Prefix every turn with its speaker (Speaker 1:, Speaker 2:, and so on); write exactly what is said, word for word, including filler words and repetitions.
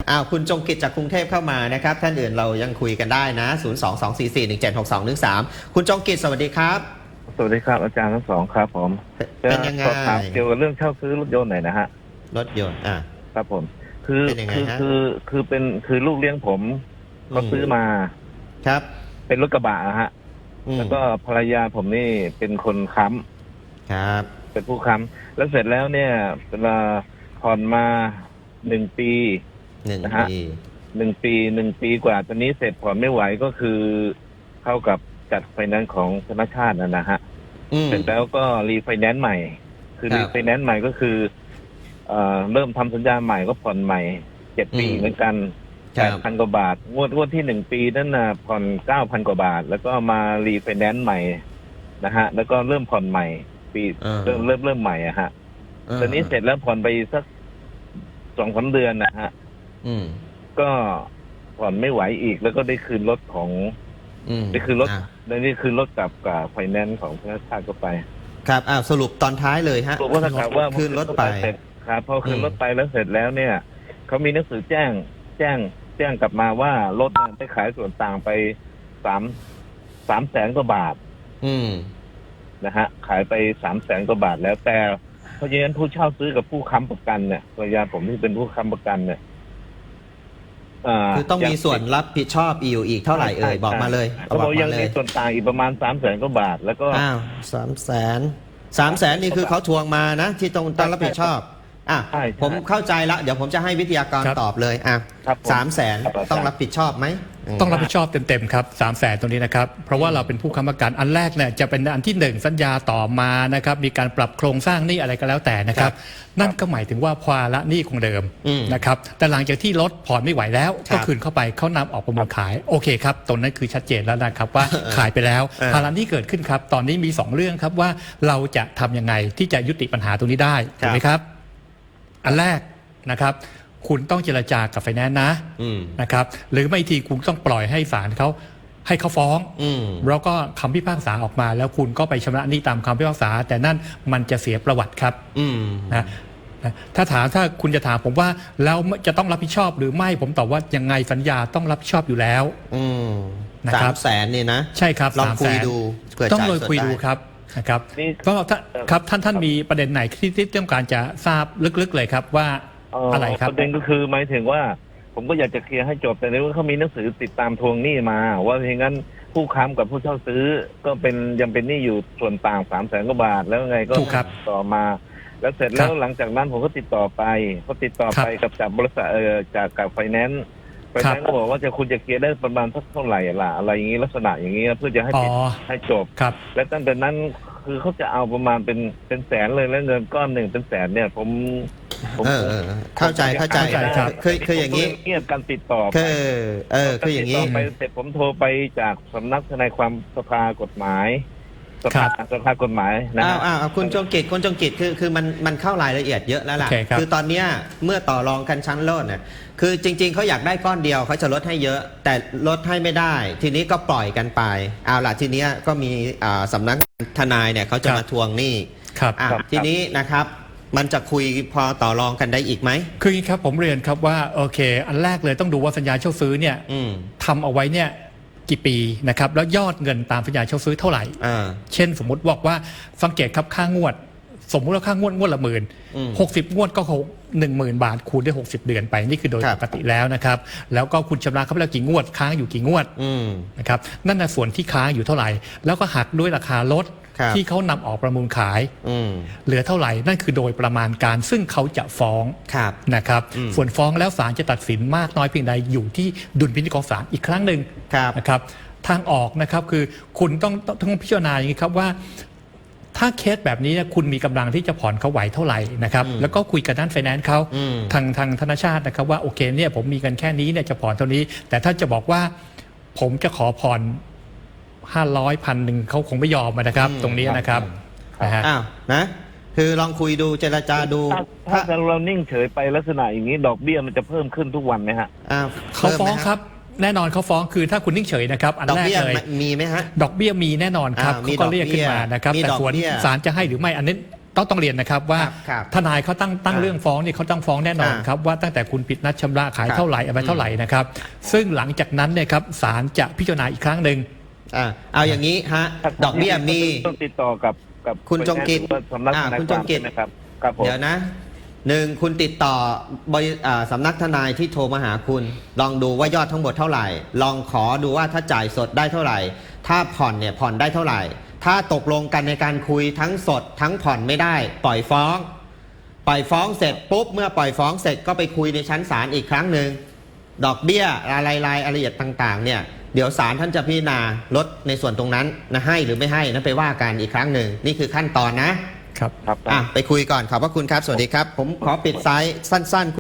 Speaker 1: อ้าวคุณจงกิจจากกรุงเทพเข้ามานะครับท่านอื่นเรายังคุยกันได้นะศูนย์ สอง สอง สี่ สี่ หนึ่ง เจ็ด หก สอง หนึ่ง สามคุณจงกิจสวัสดีครับ
Speaker 2: สวัสดีครับอาจารย์ทั้งสองครับผม
Speaker 1: เป็นยังไง
Speaker 2: สอบถามเกี่ยวกับเรื่องเช่าซื้อรถยนต์หน่อยนะฮะ
Speaker 1: รถยนต์อ่า
Speaker 2: ครับผมคือคือคือคือเป็นคือลูกเลี้ยงผมเขาซื้อมา
Speaker 1: ครับ
Speaker 2: เป็นรถกระบะฮะแล้วก็ภรรยาผมนี่เป็นคนค้
Speaker 1: ำครับ
Speaker 2: เป็นผู้ค้ำแล้วเสร็จแล้วเนี่ยเวลาผ่อนมาหนึ่งปีนะฮะหนึ่งปีหนึ่งปีกว่าตอนนี้เสร็จผ่อนไม่ไหวก็คือเข้ากับจัดไฟแนนซ์ของธนาคารนะนะฮะเสร็จแล้วก็รีไฟแนนซ์ใหม่คือรีไฟแนนซ์ใหม่ก็คือเอ่อเริ่มทำสัญญาใหม่ก็ผ่อนใหม่เจ็ดปีเหมือนกันแปดพันกว่าบาทงวดงวดที่หนึ่งปีนั่นน่ะผ่อนเก้าพันกว่าบาทแล้วก็มารีไฟแนนซ์ใหม่นะฮะแล้วก็เริ่มผ่อนใหม่ปีเริ่มเริ่มเริ่มใหม่อะฮะตอนนี้เสร็จแล้วผ่อนไปสักสองสามเดือนนะฮะก็ผ่อนไม่ไหวอีกแล้วก็ได้คืนรถของได้คืนรถนี่คือรถกับกับไฟแนนซ์ของธนาคารก็ไป
Speaker 1: ครับอ้าวสรุปตอนท้ายเลยฮะ
Speaker 2: สรุปว่าถ้าว่า
Speaker 1: คืนรถไป
Speaker 2: ครับพอคืนรถไปแล้วเสร็จแล้วเนี่ยเขามีหนังสือแจ้งแจ้งแจ้งกลับมาว่ารถได้ขายส่วนต่างไปสามสามแสนกว่าบาท
Speaker 1: อืม
Speaker 2: นะฮะขายไปสามแสนกว่าบาทแล้วแต่เพราะฉะนั้นผู้เช่าซื้อกับผู้ค้ำประกันเนี่ยภรรยาผมที่เป็นผู้ค้ำประกันเนี่ย
Speaker 1: คือต้องมีส่วนรับผิดชอบอีกอีกเท่าไหร่เอ่ยบอกมาเลย
Speaker 2: เขาบอกยังมีส่วนต่างอีกประมาณสามแสนกว่าบาทแล้วก็
Speaker 1: อ้าวสามแสนสามแสนนี่คือเขาทวงมานะที่ต้องต้องรับผิดชอบอ่ะผมเข้าใจแล้วเดี๋ยวผมจะให้วิทยากรตอบเลยอ่ะสามแสนต้องรับผิดชอบไหม
Speaker 3: ต้องรับผิดชอบเต็มๆครับสามแสนตรงนี้นะครับเพราะว่าเราเป็นผู้ค้ำประกันอันแรกเนี่ยจะเป็นอันที่หนึ่งสัญญาต่อมานะครับมีการปรับโครงสร้างหนี้อะไรก็แล้วแต่นะครับนั่นก็หมายถึงว่าภาระหนี้คงเดิมนะครับแต่หลังจากที่รถผ่อนไม่ไหวแล้วก็คืนเข้าไปเขานำออกประมูลขายโอเคครับตรงนั้นคือชัดเจนแล้วนะครับว่าขายไปแล้วภาระหนี้เกิดขึ้นครับตอนนี้มีสองเรื่องครับว่าเราจะทำยังไงที่จะยุติปัญหาตรงนี้ได้ถูกไหมครับอันแรกนะครับคุณต้องเจรจากับไฟแนนซ์นะนะครับหรือไม่ทีคุณต้องปล่อยให้ศาลเขาให้เขาฟ้องแล้วก็คำพิพากษาออกมาแล้วคุณก็ไปชำระหนี้ตามคำพิพากษาแต่นั่นมันจะเสียประวัติครับนะถ้าถามถ้าคุณจะถามผมว่าแล้วจะต้องรับผิดชอบหรือไม่ผมตอบว่ายังไงสัญญาต้องรับผิดชอบอยู่แล้ว
Speaker 1: นะครับสามแสนนี่นะ
Speaker 3: ใช่ครับ
Speaker 1: ลองคุยดู
Speaker 3: ต้องเลยคุยดูครับนะครับก็ครับท่านท่านมีประเด็นไหนที่ที่ต้องการจะทราบลึกๆเลยครับว่าอะไรครับ
Speaker 2: ประเด็นก็คือหมายถึงว่าผมก็อยากจะเคลียร์ให้จบแต่ในว่าเขามีหนังสือติดตามทวงหนี้มาว่าอย่างนั้นผู้ค้ำกับผู้เช่าซื้อก็เป็นยังเป็นหนี้อยู่ส่วนต่างสามแสนกว่าบาทแล้วไงก็ต่อมาแล้วเสร็จแล้วหลังจากนั้นผมก็ติดต่อไปก็ติดต่อไปกับจากบริษัทเออจากกับไฟแนนซ์ไฟแนนซ์ก็บอกว่าจะคุณจะเคลียร์ได้ประมาณสักเท่าไหร่ล่ะอะไรอย่างนี้ลักษณะอย่างนี้เพื่อจะให้ปิดให้จบและตั้งแต่นั้นคือเขาจะเอาประมาณเป็นเป็นแสนเลยแล้วเงินก้อนหนึ่งเป็นแสนเนี่ยผม
Speaker 1: ผมเข้าใจเข้าใจคือคืออย่างนี้
Speaker 2: เงียบการติดต่อ
Speaker 1: คือเออคืออย่างนี้
Speaker 2: ไปเสร็จผมโทรไปจากสำนักทนายความสภากฎหมายสภาสภากฎหมายนะ
Speaker 1: อ้าวอ้าวคุณจงกิจคุณจงกิจคือคือมันมันเข้ารายละเอียดเยอะแล้วล่ะคือตอนเนี้ยเมื่อต่อรองกันชั้นโลดเนี่ยคือจริงๆเขาอยากได้ก้อนเดียวเขาจะลดให้เยอะแต่ลดให้ไม่ได้ทีนี้ก็ปล่อยกันไปเอาล่ะทีนี้ก็มีสำนักทนายเนี่ยเขาจะมาทวงหนี้
Speaker 3: ครับ
Speaker 1: ทีนี้นะครับมันจะคุยพอต่อรองกันได้อีกไหม
Speaker 3: คืออย่างนี้ครับผมเรียนครับว่าโอเคอันแรกเลยต้องดูว่าสัญญาเช่าซื้อเนี่ยทำเอาไว้เนี่ยกี่ปีนะครับแล้วยอดเงินตามสัญญาเช่าซื้อเท่าไหร่เช่นสมมุติบอกว่าสังเกตครับค่างวดสมมุติว่าค่างวดงวดละหมื่นหกสิบงวดก็หนึ่งหมื่นบาทคูณได้หกสิบเดือนไปนี่คือโดยปกติแล้วนะครับแล้วก็คุณชำระเขาไปแล้วกี่งวดค้างอยู่กี่งวดนะครับนั่นน่ะส่วนที่ค้างอยู่เท่าไหร่แล้วก็หักด้วยราคารถที่เขานำออกประมูลขายเหลือเท่าไหร่นั่นคือโดยประมาณการซึ่งเขาจะฟ้องนะครับส่วนฟ้องแล้วศาลจะตัดสินมากน้อยเพียงใดอยู่ที่ดุลพินิจของศาลอีกครั้งหนึ่งนะครับทางออกนะครับคือคุณต้องต้องพิจารณาอย่างนี้ครับว่าถ้าเคสแบบนี้คุณมีกำลังที่จะผ่อนเขาไหวเท่าไหร่นะครับแล้วก็คุยกับด้านไฟแนนซ์เขาทางทางธนาคารนะครับว่าโอเคเนี่ยผมมีเงินแค่นี้เนี่ยจะผ่อนเท่านี้แต่ถ้าจะบอกว่าผมจะขอผ่อนห้าร้อยพันหนึ่งเขาคงไม่ยอมนะครับตรงนี้นะครับ
Speaker 1: นะฮะอ้าวนะคือลองคุยดูเจรจาดู
Speaker 2: ถ้าเรานิ่งเฉยไปลักษณะอย่างนี้ดอกเบี้ยมันจะเพิ่มขึ้นทุกวันไหมฮะ
Speaker 1: อ้าว
Speaker 3: เขาฟ้องครับแน่นอนเขาฟ้องคือถ้าคุณนิ่งเฉยนะครับอันแรกเลย
Speaker 1: มีไหมฮะ
Speaker 3: ดอกเบี้ยมีแน่นอนครับเขาก็เรียกขึ้นมานะครับแต่ส่วนศาลจะให้หรือไม่อันนี้ต้องต้องเรียนนะครับว่า
Speaker 1: ครับ
Speaker 3: ทนายเขาตั้งตั้ง
Speaker 1: อ่า
Speaker 3: เรื่องฟ้องนี่เขาต้องฟ้องแน่นอน
Speaker 1: อ่า
Speaker 3: ครับว่าตั้งแต่คุณผิดนัดชำระขาย
Speaker 1: ครับ
Speaker 3: เท่าไหร่อะไรเท่าไหร่นะครับซึ่งหลังจากนั้นเนี่ยครับศาลจะพิจารณาอีกครั้งหนึ่ง
Speaker 1: อ่าเอาอย่างนี้ฮะดอกเบี้ยมี
Speaker 2: ต้องติดต่อกับกับ
Speaker 1: คุณจงกิจ
Speaker 2: หรือว่าสำนัก
Speaker 1: อ่า
Speaker 2: ทนาย
Speaker 1: คุณ
Speaker 2: ค
Speaker 1: จ
Speaker 2: วาม
Speaker 1: งกิจ
Speaker 2: ใช่ไหมครับครับผม
Speaker 1: เดี๋ยวนะหนึ่งคุณติดต่อบริอ่าสำนักทนายที่โทรมาหาคุณ ลองดูว่ายอดทั้งหมดเท่าไหร่ ลองขอดูว่าถ้าจ่ายสดได้เท่าไหร่ ถ้าผ่อนเนี่ยผ่อนได้เท่าไหร่ ถ้าตกลงกันในการคุยทั้งสดทั้งผ่อนไม่ได้ ปล่อยฟ้อง ปล่อยฟ้องเสร็จปุ๊บเมื่อปล่อยฟ้องเสร็จก็ไปคุยในชั้นศาลอีกครั้งหนึ่งดอกเบี้ยรายรายละเอียดต่างๆเนี่ยเดี๋ยวศาลท่านจะพิจารณาลดในส่วนตรงนั้นนะให้หรือไม่ให้นั้นไปว่ากันอีกครั้งหนึ่งนี่คือขั้นตอนนะครับ
Speaker 3: ครับ
Speaker 2: ครับ
Speaker 1: อ่ะไปคุยก่อนขอบพระคุณครับสวัสดีครับ ผมขอปิดไซส์สั้นๆ